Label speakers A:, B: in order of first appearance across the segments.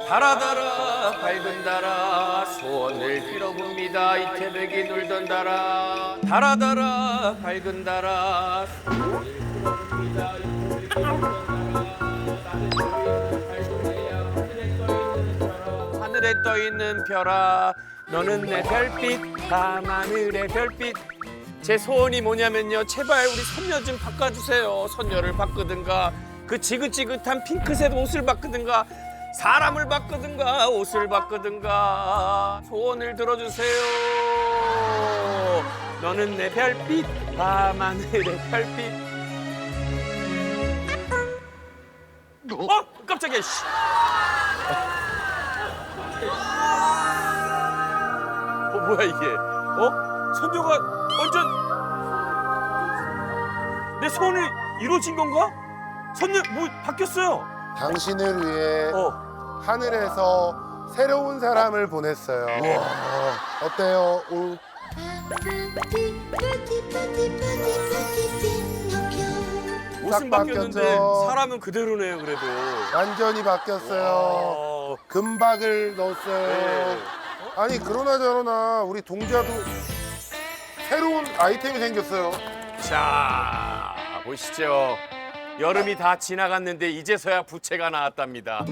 A: 달아 밝은 달아 소원을 빌어봅니다. 이태백이 놀던 달아 달아 밝은 달아 소원을 빌어봅니다. 이태백이 놀던 달아 하늘에 떠 있는 별아 너는 내 별빛 밤하늘의 별빛. 제 소원이 뭐냐면요, 제발 우리 선녀 좀 바꿔주세요. 선녀를 바꾸든가 그 지긋지긋한 핑크색 옷을 바꾸든가 사람을 바꾸든가 옷을 바꾸든가 소원을 들어주세요. 너는 내 별빛 밤하늘의 별빛. 깜짝이야. 씨. 뭐야 이게? 선녀가 완전 내 소원이 이루어진 건가? 선녀 뭐 바뀌었어요?
B: 당신을 위해 하늘에서 새로운 사람을 보냈어요. 어때요?
A: 옷은
B: 딱
A: 바뀌었는데
B: 바뀌었죠.
A: 사람은 그대로네요. 그래도
B: 완전히 바뀌었어요. 금박을 넣었어요.
A: 네.
B: 아니 그러나 저러나 우리 동자도 새로운 아이템이 생겼어요.
A: 자 보시죠. 여름이 다 지나갔는데 이제서야 부채가 나왔답니다.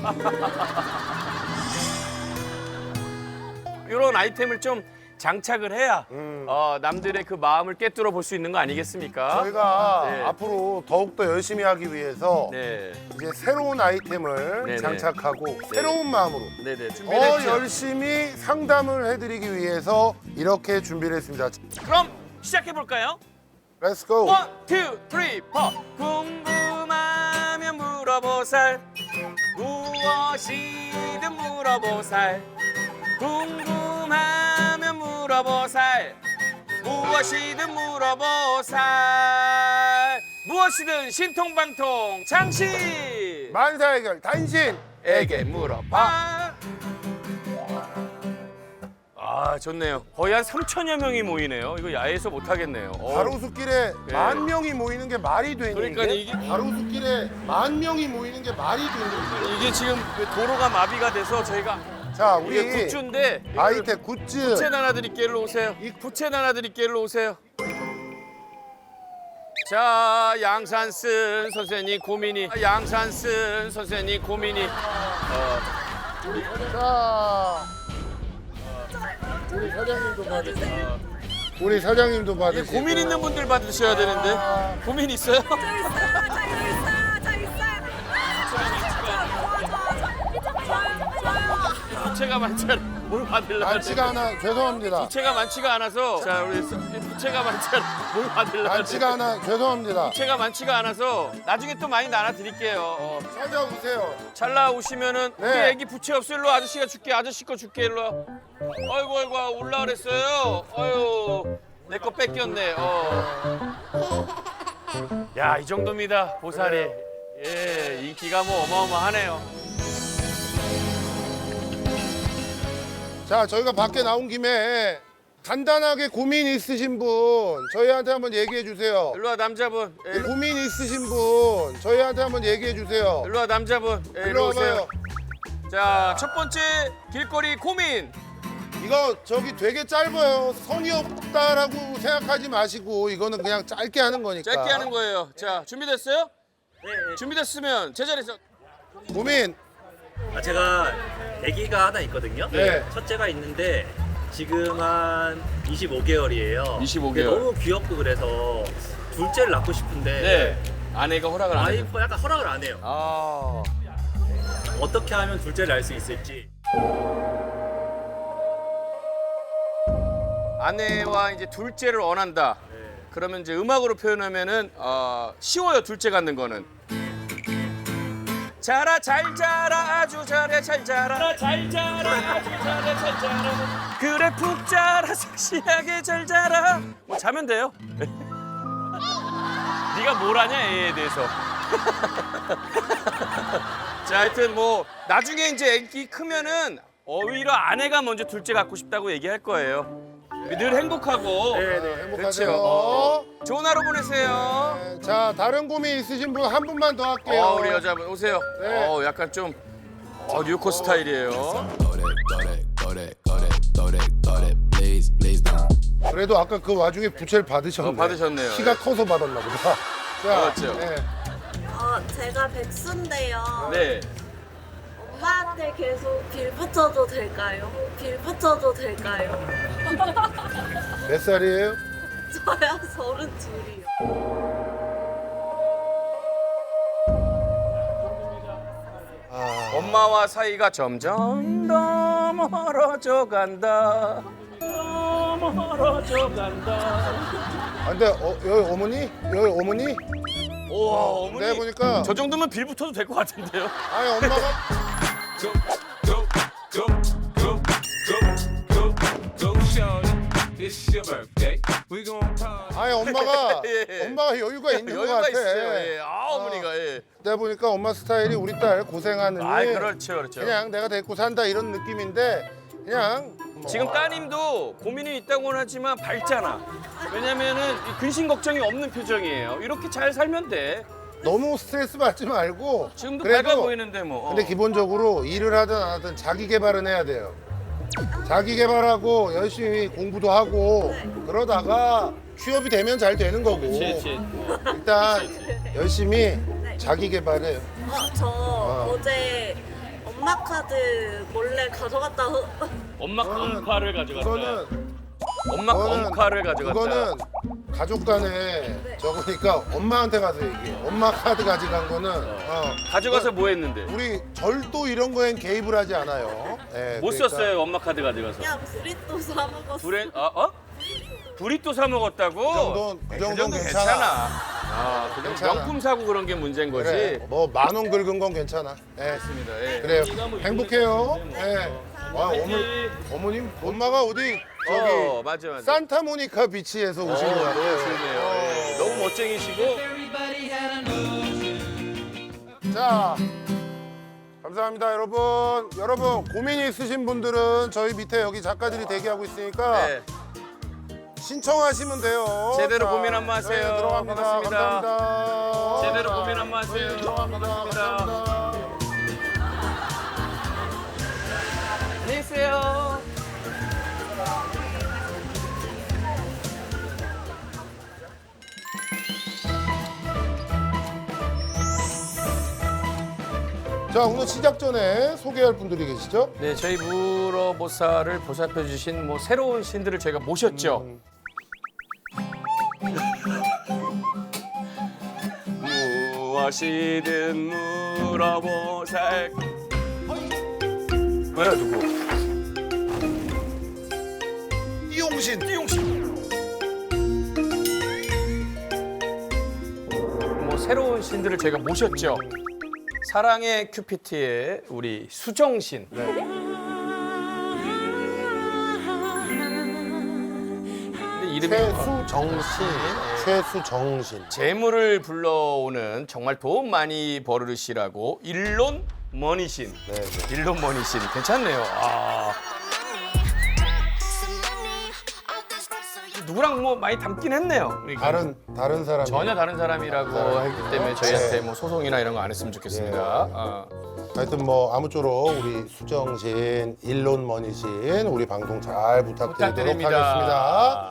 A: 이런 아이템을 좀 장착을 해야 남들의 그 마음을 꿰뚫어 볼 수 있는 거 아니겠습니까?
B: 저희가
A: 네.
B: 앞으로 더욱더 열심히 하기 위해서
A: 네,
B: 이제 새로운 아이템을
A: 네네.
B: 장착하고 새로운 마음으로
A: 네네
B: 더
A: 준비됐죠.
B: 열심히 상담을 해드리기 위해서 이렇게 준비를 했습니다.
A: 그럼 시작해 볼까요?
B: Let's go.
A: 원, 투, 쓰리, 포. 궁금하면 물어보살. 무엇이든 물어보살. 궁금하면 물어보살. 무엇이든 물어보살. 무엇이든 신통방통 장신.
B: 만사 해결 단신에게
A: 에게 물어봐. 아 좋네요. 거의 한 3천여 명이 모이네요. 이거 야외에서 못 하겠네요.
B: 가로수길에
A: 네.
B: 10,000명이 모이는 게 말이 되는
A: 그러니까
B: 게
A: 이게-
B: 가로수길에 10,000명이 모이는 게 말이 되는 게
A: 이게 지금 그 도로가 마비가 돼서 저희가
B: 자
A: 이게
B: 우리
A: 굿즈인데
B: 아이템 굿즈
A: 부채 나눠드릴게 일로 오세요. 이 부채 나눠드릴게 일로 오세요. 자 양산 쓴 선생님 고민이 양산 쓴 선생님 고민이
B: 자 우리 사장님도 받으세요. 우리 사장님도
A: 이게
B: 받으시고
A: 고민 있는 분들 받으셔야 되는데 고민 있어요?
C: 저 있어요. 저 있어요.
A: 부채가 많잖아. 뭘 받으려고
B: 많지가 않아 죄송합니다.
A: 부채가 많지가 않아서 자 우리 부채가 많잖아. 뭘 받으려고
B: 많지가 않아 죄송합니다.
A: 부채가 많지가 않아서 나중에 또 많이 나눠드릴게요.
B: 찾아오세요.
A: 잘 나오시면은
B: 네.
A: 우리 애기 부채 없어 일로 와. 아저씨가 줄게. 아저씨 거 줄게 일로 와. 아이고 아이고 올라 그랬어요. 아유 내 거 뺏겼네. 야 이 정도입니다 보살이. 예 인기가 뭐 어마어마하네요.
B: 자 저희가 밖에 나온 김에 간단하게 고민 있으신 분 저희한테 한번 얘기해 주세요.
A: 일로 와 남자분. 예,
B: 고민 있으신 분 저희한테 한번 얘기해 주세요.
A: 일로 와 남자분. 예,
B: 일로
A: 일로 오세요.
B: 와봐요.
A: 자 첫 번째 길거리 고민.
B: 이거 저기 되게 짧아요. 성의 없다라고 생각하지 마시고 이거는 그냥 짧게 하는 거니까.
A: 짧게 하는 거예요. 자 준비됐어요? 네. 준비됐으면 제자리에서.
B: 고민
D: 제가 아기가 하나 있거든요.
B: 네.
D: 첫째가 있는데 지금 한 25개월이에요.
A: 25개월.
D: 너무 귀엽고 그래서 둘째를 낳고 싶은데
A: 네. 아내가 허락을 안 해요.
D: 와이프가 약간 허락을 안 해요.
A: 아.
D: 어떻게 하면 둘째를 낳을 수 있을지.
A: 아내와 이제 둘째를 원한다. 그러면 이제 음악으로 표현하면은 쉬워요. 둘째 갖는 거는. 자라 잘 자라 아주 잘해 잘 자라 잘 자라 아주 잘해 잘 자라 그래 푹 자라 섹시하게 잘 자라 뭐 자면 돼요. 네가 뭘 아냐 애에 대해서. 자 하여튼 뭐 나중에 이제 애기 크면은 오히려 아내가 먼저 둘째 갖고 싶다고 얘기할 거예요. 늘 행복하고.
B: 행복하세요.
A: 그렇죠. 좋은 하루 보내세요.
B: 네, 자 다른 고민 있으신 분 한 분만 더 할게요.
A: 우리 여자분 오세요.
B: 네.
A: 약간 좀 뉴코 스타일이에요.
B: 그래도 아까 그 와중에 부채를 받으셨네.
A: 받으셨네요.
B: 키가 커서 받았나 보다. 자,
A: 맞죠?
B: 네.
C: 제가 백수인데요.
A: 네.
C: 엄마한테 계속 빌 붙여도 될까요? 빌 붙여도 될까요?
B: 몇 살이에요?
C: 저야 32이요.
A: 엄마와 사이가 점점 더 멀어져 간다. 더 멀어져 간다.
B: 아, 근데 여기 어머니? 여기 어머니?
A: 우와, 어머니.
B: 내가 보니까
A: 저 정도면 빌 붙어도 될 것 같은데요.
B: 아니 엄마가 아니 엄마가
A: 예.
B: 엄마가 여유가 있는 것
A: 여유가
B: 같아.
A: 있어요. 예. 어머니가 예.
B: 내가 보니까 엄마 스타일이 우리 딸 고생하느니
A: 그렇죠, 그렇죠.
B: 그냥 내가 데리고 산다 이런 느낌인데 그냥
A: 지금 따님도 고민이 있다고는 하지만 밝잖아. 왜냐면은 이 근심 걱정이 없는 표정이에요. 이렇게 잘 살면 돼.
B: 너무 스트레스 받지 말고
A: 지금도
B: 그래도
A: 밝아 보이는데 뭐.
B: 근데 기본적으로 일을 하든 안 하든 자기 개발은 해야 돼요. 자기 개발하고 열심히 공부도 하고 그러다가 취업이 되면 잘 되는 거고 일단 열심히 자기 개발해요.
C: 저 어제 엄마 카드 몰래 가져갔다.
A: 엄마 엄카를 가져갔다.
B: 그거는
A: 엄마 엄카를 가져갔다.
B: 그거는 가족 간에 적으니까 엄마한테 가서 얘기해. 엄마 카드 가져간 거는
A: 가져가서 뭐 했는데?
B: 우리 절도 이런 거엔 개입을 하지 않아요. 네,
A: 못
B: 그러니까
A: 썼어요, 엄마 카드 가져가서.
C: 그냥 브리또 사 먹었어.
A: 불에 브리또 사 먹었다고?
B: 그 정도는 괜찮아.
A: 그 정도
B: 괜찮아.
A: 명품 사고 그런 게 문제인 거지.
B: 그래, 뭐 10,000원 긁은 건 괜찮아. 네.
A: 맞습니다. 예.
B: 그래요.
A: 네가 뭐
B: 행복해요.
A: 이번에
B: 네. 와,
A: 화이팅!
B: 어머님, 엄마가 어디 저기
A: 맞아.
B: 산타모니카 비치에서 오신 것 같아요.
A: 너무 좋네요. 예. 너무 멋쟁이시고.
B: 자, 감사합니다, 여러분. 여러분 고민이 있으신 분들은 저희 밑에 여기 작가들이 대기하고 있으니까
A: 네.
B: 신청하시면 돼요.
A: 제대로
B: 자,
A: 고민 한번 하세요.
B: 네, 들어갑니다.
A: 반갑습니다.
B: 감사합니다.
A: 제대로
B: 자,
A: 고민 한번 하세요.
B: 네, 들어갑니다. 감사합니다.
A: 안녕히 계세요.
B: 자, 오늘 시작 전에 소개할 분들이 계시죠?
A: 네, 저희 무로보살을 보살펴 주신 뭐 새로운 신들을 저희가 모셨죠. 무엇이든 물어보살. 뭐야 누구?
B: 이용신.
A: 뭐 새로운 신들을 저희가 모셨죠. 사랑의 큐피트의 우리 수정신. 근데 이름이
B: 최수정신. 최수정신.
A: 재물을 불러오는 정말 돈 많이 벌으시라고 일론 머니신.
B: 네.
A: 일론 머니신 괜찮네요. 누구랑 뭐 많이 닮긴 했네요.
B: 다른 사람.
A: 전혀 다른 사람이라고 했기 때문에 저희한테 뭐 소송이나 이런 거 안 했으면 좋겠습니다.
B: 하여튼 뭐 아무쪼록 우리 수정신, 일론머니신 우리 방송 잘 부탁드리도록
A: 부탁드립니다.
B: 하겠습니다.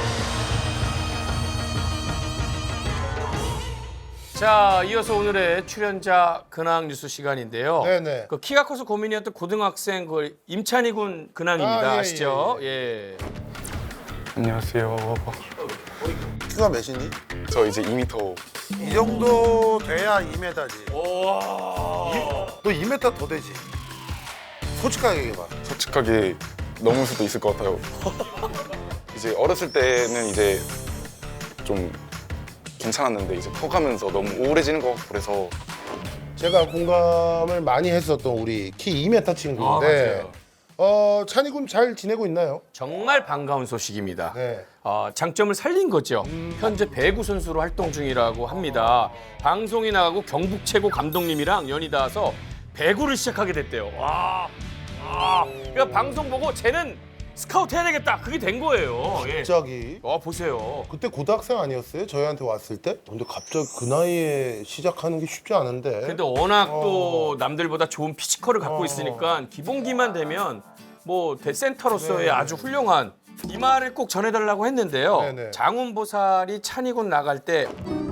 A: 자, 이어서 오늘의 출연자 근황 뉴스 시간인데요.
B: 네네.
A: 그 키가 커서 고민이었던 고등학생 그 임찬희 군 근황입니다.
B: 아, 예,
A: 아시죠? 예.
E: 안녕하세요.
B: 키가 몇이니?
E: 저 이제 2m.
B: 이 정도 돼야 2m지.
A: 와.
B: 너 2m 더 되지? 솔직하게 얘기해봐.
E: 솔직하게 넘을 수도 있을 것 같아요. 이제 어렸을 때는 이제 좀 괜찮았는데 이제 커가면서 너무 우울해지는 것 같고 그래서
B: 제가 공감을 많이 했었던 우리 키 2m 친구인데 찬이 군 잘 지내고 있나요?
A: 정말 반가운 소식입니다.
B: 네.
A: 장점을 살린 거죠. 현재 배구 선수로 활동 중이라고 합니다. 방송이 나가고 경북 최고 감독님이랑 연이 닿아서 배구를 시작하게 됐대요. 와. 그러니까 방송 보고 쟤는 스카우트 해야 되겠다. 그게 된 거예요. 예.
B: 갑자기
A: 보세요.
B: 그때 고등학생 아니었어요? 저희한테 왔을 때? 근데 갑자기 그 나이에 시작하는 게 쉽지 않은데.
A: 근데 워낙 또 남들보다 좋은 피지컬을 갖고 있으니까 기본기만 되면 뭐 대센터로서의
B: 네.
A: 아주 훌륭한 이 말을 꼭 전해달라고 했는데요.
B: 네네.
A: 장훈보살이 찬이군 나갈 때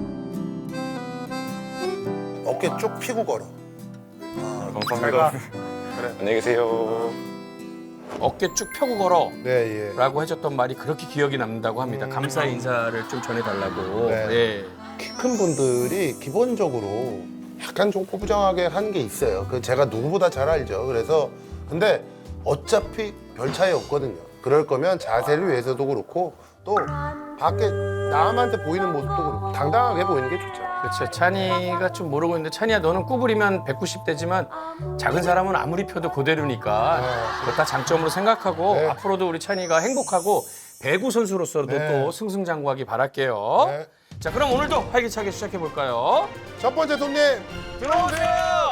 B: 어깨 쭉 펴고 걸어.
E: 감사합니다. 안녕히 계세요.
A: 어깨 쭉 펴고 걸어.
B: 네, 예.
A: 라고 해줬던 말이 그렇게 기억이 남는다고 합니다. 감사의 인사를 좀 전해달라고.
B: 네.
A: 예.
B: 키 큰 분들이 기본적으로 약간 좀 꼬부정하게 하는 게 있어요. 그 제가 누구보다 잘 알죠. 그래서 근데 어차피 별 차이 없거든요. 그럴 거면 자세를 위해서도 그렇고 또 밖에 남한테 보이는 모습도 그렇고 당당하게 보이는 게 좋죠.
A: 그렇죠. 찬이가 좀 모르고 있는데 찬이야 너는 구부리면 190 되지만 작은 사람은 아무리 펴도 그대로니까 그거 다 장점으로 생각하고
B: 네.
A: 앞으로도 우리 찬이가 행복하고 배구 선수로서도
B: 네.
A: 또 승승장구하기 바랄게요.
B: 네.
A: 자 그럼 오늘도 활기차게 시작해 볼까요?
B: 첫 번째 손님
A: 들어오세요.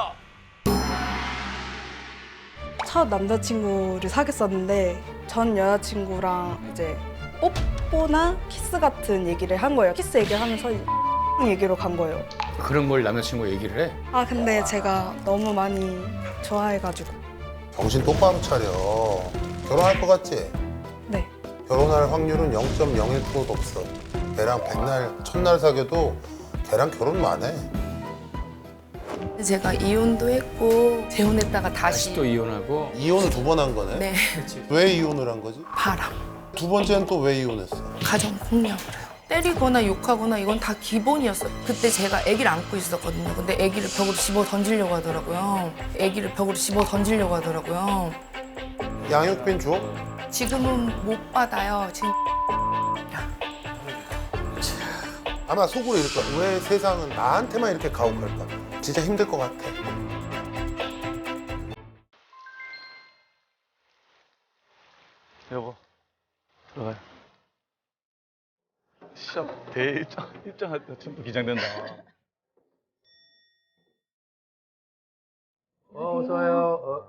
F: 첫 남자친구를 사귀었었는데 전 여자친구랑 이제 뽀뽀나 키스 같은 얘기를 한 거예요. 키스 얘기를 하면서 얘기로 간 거예요.
A: 그런 걸 남자친구 얘기를 해?
F: 아 근데 제가 너무 많이 좋아해가지고
B: 정신 똑바로 차려. 결혼할 것 같지?
F: 네.
B: 결혼할 확률은 0.01%도 없어. 걔랑 백날 첫날 사귀어도 걔랑 결혼만 해.
G: 제가 이혼도 했고 재혼했다가
A: 다시
G: 다시
A: 또 이혼하고
B: 이혼을 2번 한 거네.
G: 네
B: 왜 이혼을 한 거지?
G: 바람
B: 두 번째는 또 왜 이혼했어?
G: 가정 폭력으로요. 때리거나 욕하거나 이건 다 기본이었어요. 그때 제가 아기를 안고 있었거든요. 근데 아기를 벽으로 집어 던지려고 하더라고요. 아기를 벽으로 집어 던지려고 하더라고요.
B: 양육빈 줘?
G: 지금은 못 받아요. 지금
B: 아마 속으로 이럴 거야. 왜 세상은 나한테만 이렇게 가혹할까? 진짜 힘들 것 같아.
H: 여보 들어가요. 시합 대회 입장할 때 지금도 긴장된다.
A: 어서 와요.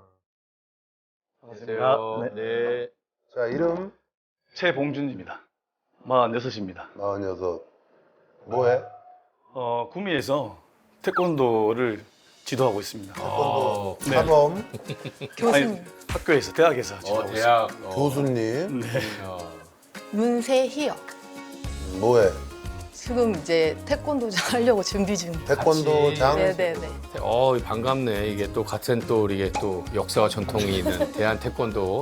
A: 안녕하세요.
H: 네.
B: 자, 이름
H: 최봉준입니다. 46입니다.
B: 46. 뭐해?
H: 구미에서 태권도를 지도하고 있습니다.
B: 태권도
H: 네.
B: 사범
G: 교수님
H: 학교에서 대학에서 지도하고 있습니다.
A: 대학
B: 교수님.
G: 문세희요.
B: 뭐해?
G: 지금 이제 태권도장 하려고 준비 중.
B: 태권도장.
G: 네네네.
A: 반갑네. 이게 또 같은 또 이게 또 역사와 전통이 있는 대한 태권도.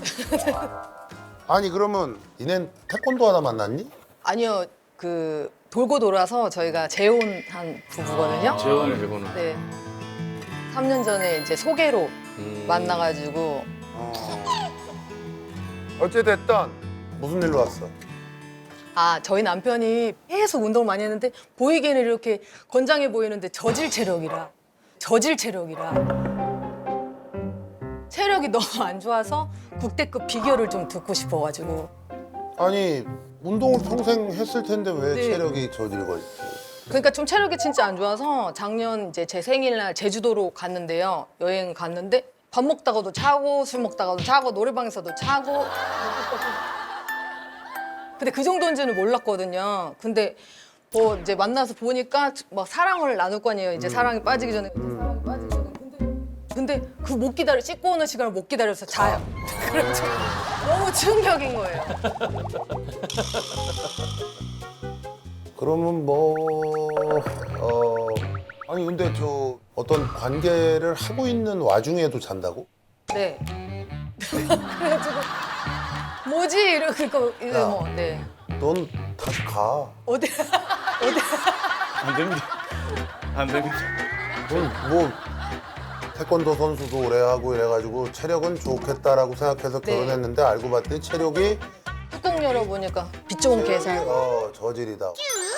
B: 아니 그러면 니넨 태권도 하다 만났니?
I: 아니요, 그 돌고 돌아서 저희가 재혼한 부부거든요.
A: 재혼을 해보는.
I: 네. 3년 전에 이제 소개로 만나가지고
B: 어찌됐든 무슨 일로 왔어?
I: 저희 남편이 계속 운동을 많이 했는데 보이기에는 이렇게 건장해 보이는데 저질 체력이라 체력이 너무 안 좋아서 국대급 비결을 좀 듣고 싶어가지고
B: 아니 운동을 평생 했을 텐데 왜
I: 네.
B: 체력이 저질거리지?
I: 그러니까 좀 체력이 진짜 안 좋아서 작년 이제 제 생일날 제주도로 갔는데요. 여행 갔는데 밥 먹다가도 차고 술 먹다가도 차고 노래방에서도 차고. 근데 그 정도인지는 몰랐거든요. 근데 뭐 이제 만나서 보니까 막 사랑을 나눌 거 아니에요. 이제 사랑이 빠지기 전에. 사랑이 빠지기 전에. 근데 그 못 기다려 씻고 오는 시간을 못 기다려서 자요. 그래서 너무 충격인 거예요.
B: 그러면 아니 근데 저 어떤 관계를 하고 있는 와중에도 잔다고?
I: 네. 그래가지고 뭐지 이러니까 이제
B: 야.
I: 뭐 네.
B: 넌 다시 가.
I: 어디
H: 안 됩니다. 안 됩니다.
B: 넌 뭐 태권도 선수도 오래 하고 이래가지고 체력은 좋겠다라고 생각해서
I: 네.
B: 결혼했는데 알고 봤더니 체력이
I: 뚜껑 열어보니까 빛 좋은 계산.
B: 저질이다.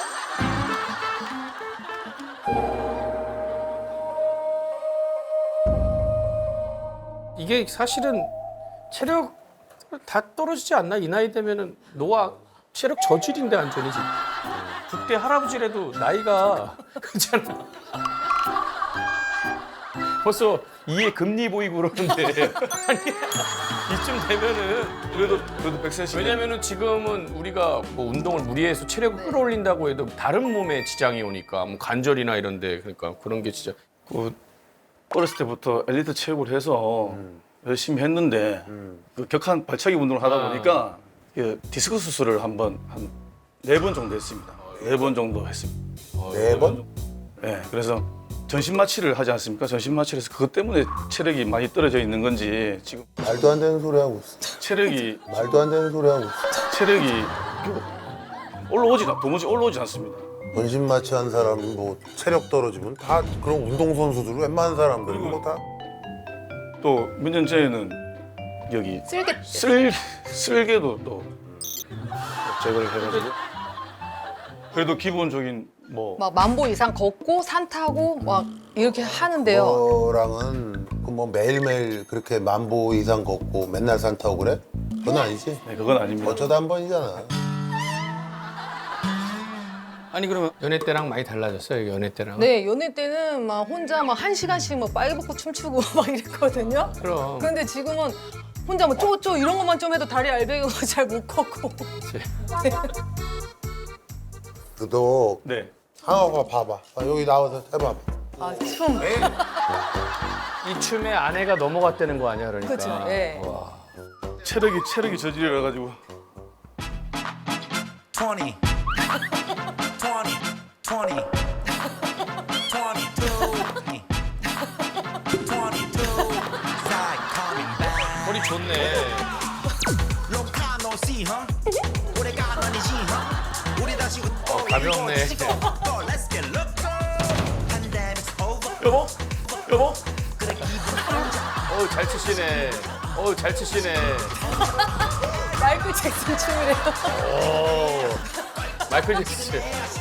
A: 이게 사실은 체력 다 떨어지지 않나? 이 나이 되면은 노화 체력 저질인데 완전히 지금. 국대 할아버지라도 나이가 그렇잖아. 벌써 이에 금리 보이고 그러는데 아니 이쯤 되면은
H: 그래도 100cm.
A: 왜냐면은 지금은 우리가 뭐 운동을 무리해서 체력을 끌어올린다고 해도 다른 몸에 지장이 오니까 뭐 관절이나 이런데 그러니까 그런 게 진짜
H: 그 어렸을 때부터 엘리트 체육을 해서 열심히 했는데 그 격한 발차기 운동을 하다 보니까 그 디스크 수술을 한 4번 정도 했습니다. 4번 정도 했습니다.
B: 4번?
H: 네, 그래서 전신 마취를 하지 않습니까? 전신 마취를 해서 그것 때문에 체력이 많이 떨어져 있는 건지 지금
B: 말도 안 되는 소리 하고 있어.
H: 체력이
B: 말도 안 되는 소리 하고 있어.
H: 체력이 도무지 올라오지 않습니다.
B: 전신 마취한 사람 뭐 체력 떨어지면 다 그런 운동 선수들 웬만한 사람들 뭐 다
H: 또 몇 년 전에는 여기 쓸개도 또 제거를 해가지고 그래도 기본적인 뭐
I: 막 10,000보 이상 걷고 산 타고 막 이렇게 하는데요.
B: 너랑은 그 뭐 매일매일 그렇게 10,000보 이상 걷고 맨날 산 타고 그래? 그건 아니지.
H: 네, 그건 아닙니다.
B: 어쩌다 한 번이잖아.
A: 아니 그러면 연애 때랑 많이 달라졌어요 연애 때랑.
I: 네, 연애 때는 막 혼자 막 1시간씩 막 빨개 벗고 춤추고 막 이랬거든요.
A: 그럼.
I: 근데 지금은 혼자 뭐 쪼쪼 이런 것만 좀 해도 다리 알배기고 잘 못 걷고.
B: 너
H: 네.
B: 한번 봐봐. 여기 나와서 해봐봐.
I: 아, 춤.
A: 이 춤에 아내가 넘어갔다는 거 아니야 그러니까.
I: 그죠, 예.
A: 와.
H: 체력이 저질려 가지고
J: 20, 22, 22,
A: 허리 좋네. 가볍네.
H: 여보
A: 어우 잘 치시네. 어우 잘 치시네.
I: 마이클 잭슨 춤이래요.
A: 오. 마이클 잭슨.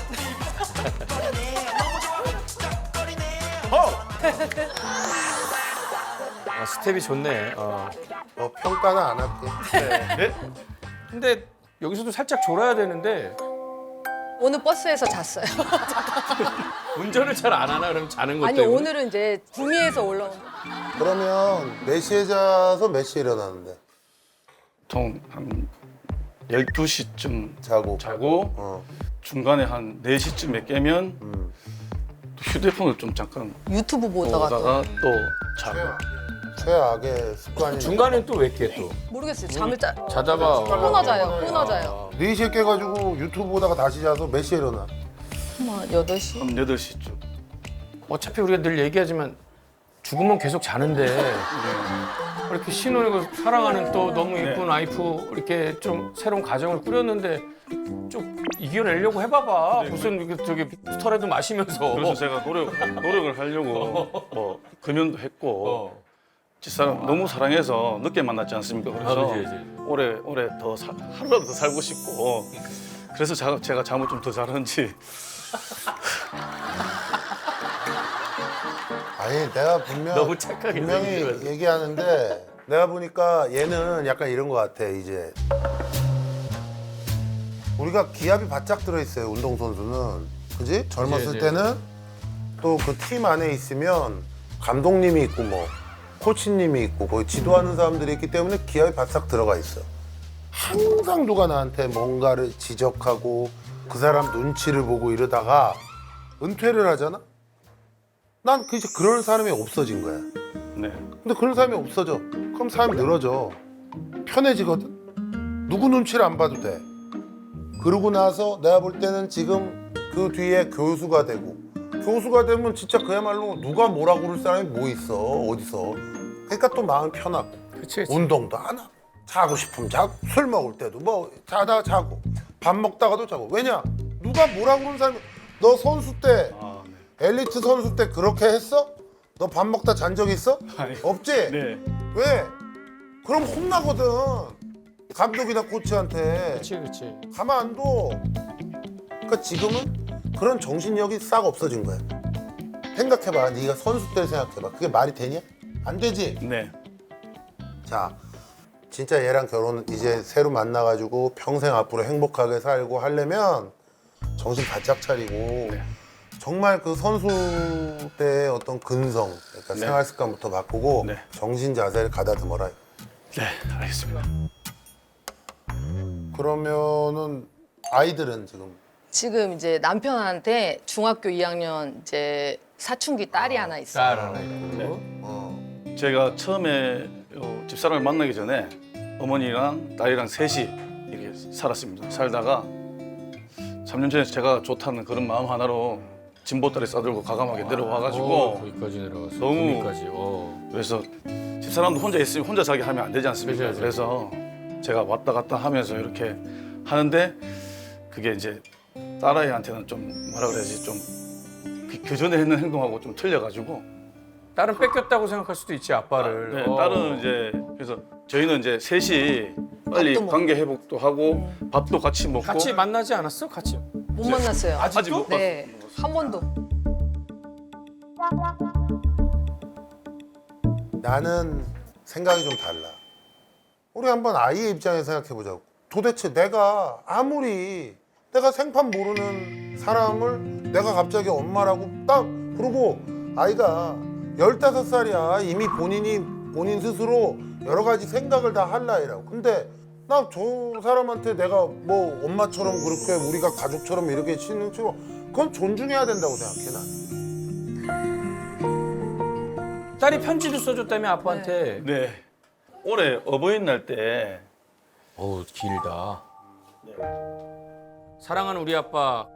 A: 스텝이 좋네.
B: 평가는 안 할게.
H: 네?
A: 근데 여기서도 살짝 졸아야 되는데
I: 오늘 버스에서 잤어요.
A: 운전을 잘 안 하나 그럼 자는 것
I: 아니,
A: 때문에.
I: 오늘은 이제 구미에서 올라온 거.
B: 그러면 몇 시에 자서 몇 시에 일어나는데?
H: 보통 한 12시쯤
B: 자고.
H: 자고 중간에 한 4시쯤에 깨면 또 휴대폰을 좀 잠깐
I: 유튜브 보다가 또.
H: 보다가 또 자고
B: 최악의 습관이.
A: 중간에 또 왜 깨 또?
I: 모르겠어요. 잠을
A: 자다가
I: 끊어져요.
B: 4시에 깨가지고 유튜브 보다가 다시 자서 몇 시에 일어나?
I: 한 8시?
H: 한 8시쯤.
A: 어차피 우리가 늘 얘기하지만 죽으면 계속 자는데 이렇게 신혼이고 사랑하는 또 너무 예쁜 와이프 이렇게 좀 새로운 가정을 꾸렸는데 좀 이겨내려고 해봐봐. 무슨 이렇게 저기 스터라도 마시면서.
H: 그래서 제가 노력을 하려고 뭐 금연도 했고 집사람 너무 사랑해서 늦게 만났지 않습니까? 그래서
A: 그치.
H: 오래 더 하루라도 더 살고 싶고 그래서 제가 잠을 좀 더 자는지.
B: 아니 내가
A: 너무 착하게
B: 분명히
A: 생기면서.
B: 얘기하는데 내가 보니까 얘는 약간 이런 것 같아 이제. 우리가 기압이 바짝 들어있어요 운동선수는. 그지? 젊었을
A: 그치.
B: 때는 또 그 팀 안에 있으면 감독님이 있고 뭐 코치님이 있고 거기 지도하는 사람들이 있기 때문에 기압이 바싹 들어가 있어. 항상 누가 나한테 뭔가를 지적하고 그 사람 눈치를 보고 이러다가 은퇴를 하잖아? 난 이제 그런 사람이 없어진 거야.
H: 네.
B: 근데 그런 사람이 없어져. 그럼 사람이 늘어져. 편해지거든. 누구 눈치를 안 봐도 돼. 그러고 나서 내가 볼 때는 지금 그 뒤에 교수가 되고 교수가 되면 진짜 그야말로 누가 뭐라고 그럴 사람이 뭐 있어 어디서. 그러니까 또 마음 편하고
A: 그치.
B: 운동도 안 하고 자고 싶으면 자고 술 먹을 때도 뭐 자다 자고 밥 먹다가도 자고. 왜냐? 누가 뭐라고 그러는 사람이. 너 선수 때 엘리트 선수 때 그렇게 했어? 너 밥 먹다 잔 적 있어?
H: 아니.
B: 없지?
H: 네.
B: 왜? 그럼 혼나거든. 감독이나 코치한테.
A: 그렇지.
B: 가만 안 둬. 그러니까 지금은 그런 정신력이 싹 없어진 거야. 생각해봐. 네가 선수 때 생각해봐. 그게 말이 되냐? 안 되지?
H: 네.
B: 자, 진짜 얘랑 결혼 이제 새로 만나가지고 평생 앞으로 행복하게 살고 하려면 정신 바짝 차리고 정말 그 선수 때의 어떤 근성, 그러니까
H: 네.
B: 생활 습관부터 바꾸고
H: 네.
B: 정신 자세를 가다듬어라.
H: 네, 알겠습니다.
B: 그러면은 아이들은
I: 지금 이제 남편한테 중학교 2학년 이제 사춘기 딸이 하나 있어요.
A: 딸 하나 있고.
H: 제가 처음에 집사람을 만나기 전에 어머니랑 딸이랑 셋이 이렇게 살았습니다. 살다가 3년 전에 제가 좋다는 그런 마음 하나로 진보다리 싸들고 과감하게 내려와가지고
A: 거기까지 내려갔어.
H: 너무-
A: 거기까지.
H: 그래서 집사람도 혼자 있으면 혼자 자기 하면 안 되지 않습니까?
A: 그죠.
H: 그래서 제가 왔다 갔다 하면서 이렇게 하는데 그게 이제 딸아이한테는 좀 뭐라 그래야지 좀 그 전에 했는 행동하고 좀 틀려가지고
A: 딸은 뺏겼다고 생각할 수도 있지 아빠를.
H: 네, 딸은 이제 그래서 저희는 이제 셋이 빨리
I: 밥도 먹고.
H: 관계 회복도 하고 밥도 같이 먹고
A: 같이 만나지 않았어? 같이.
I: 못 만났어요.
H: 아직 못
I: 네, 한 번도.
B: 나는 생각이 좀 달라. 우리 한번 아이의 입장에서 생각해보자고. 도대체 내가 아무리 내가 생판 모르는 사람을 내가 갑자기 엄마라고 딱 그러고 아이가 15살이야. 이미 본인 스스로 여러 가지 생각을 다 할 나이라고. 근데 나 저 사람한테 내가 뭐 엄마처럼 그렇게 우리가 가족처럼 이렇게 치는 거 그건 존중해야 된다고 생각해 난.
A: 딸이 편지도 써줬다며 아빠한테.
H: 네 올해 어버이날 때
A: 어우 길다. 사랑하는 우리 아빠.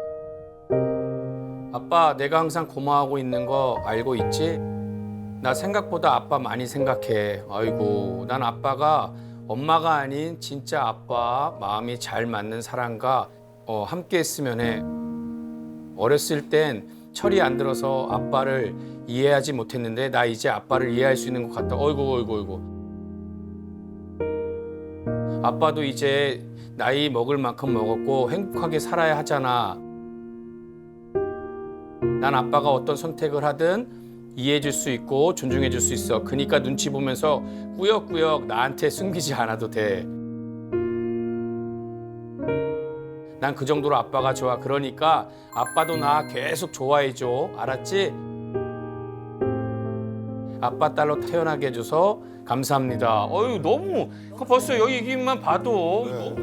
A: 아빠 내가 항상 고마워하고 있는 거 알고 있지? 나 생각보다 아빠 많이 생각해. 아이고 난 아빠가 엄마가 아닌 진짜 아빠 마음이 잘 맞는 사람과 함께 했으면 해. 어렸을 땐 철이 안 들어서 아빠를 이해하지 못했는데 나 이제 아빠를 이해할 수 있는 것 같다. 어이구. 아빠도 이제 나이 먹을 만큼 먹었고 행복하게 살아야 하잖아. 난 아빠가 어떤 선택을 하든 이해해줄 수 있고 존중해줄 수 있어. 그러니까 눈치 보면서 꾸역꾸역 나한테 숨기지 않아도 돼. 난 그 정도로 아빠가 좋아. 그러니까 아빠도 나 계속 좋아해줘. 알았지? 아빠 딸로 태어나게 해줘서 감사합니다. 어유 너무 벌써 여기 얘기만 봐도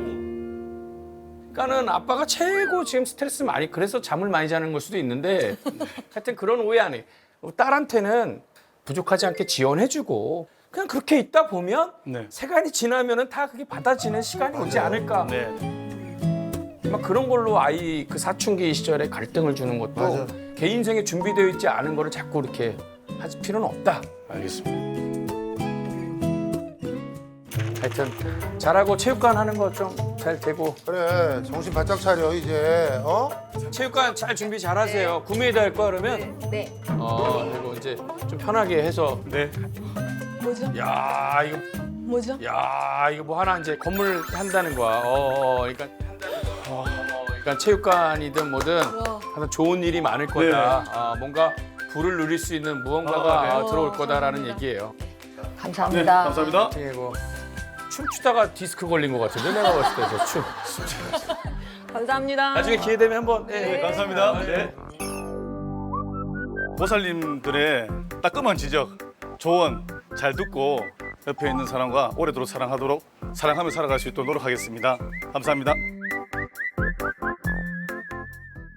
A: 그러니까는 아빠가 최고 지금 스트레스 많이 그래서 잠을 많이 자는 걸 수도 있는데 하여튼 그런 오해 안 해. 딸한테는 부족하지 않게 지원해주고 그냥 그렇게 있다 보면
H: 네.
A: 세간이 지나면은 다 그게 받아지는 시간이 오지 않을까.
H: 네.
A: 막 그런 걸로 아이 그 사춘기 시절에 갈등을 주는 것도
B: 맞아.
A: 걔 인생에 준비되어 있지 않은 거를 자꾸 이렇게 할 필요는 없다.
H: 알겠습니다.
A: 하여튼 잘하고 체육관 하는 거 좀 잘 되고
B: 그래 정신 바짝 차려 이제
A: 체육관 잘 준비 잘 하세요. 구매해야 할 거 그러면
I: 네.
A: 그리고 이제 좀 편하게 해서
H: 네.
I: 뭐죠?
A: 야 이거
I: 뭐죠?
A: 뭐 하나 이제 건물 한다는 거야. 그러니까 그러니까 체육관이든 뭐든 하여튼 좋은 일이 많을 거다. 뭔가 불을 누릴 수 있는 무언가가 들어올 거다라는 얘기예요.
I: 감사합니다.
H: 네, 감사합니다.
A: 뭐 춤추다가 디스크 걸린 것 같은데 내가 봤을 때 저 춤.
I: 감사합니다.
A: 나중에 기회 되면 한번.
H: 네, 감사합니다. 네. 보살님들의 따끔한 지적, 조언 잘 듣고 옆에 있는 사람과 오래도록 사랑하며 살아갈 수 있도록 노력하겠습니다. 감사합니다.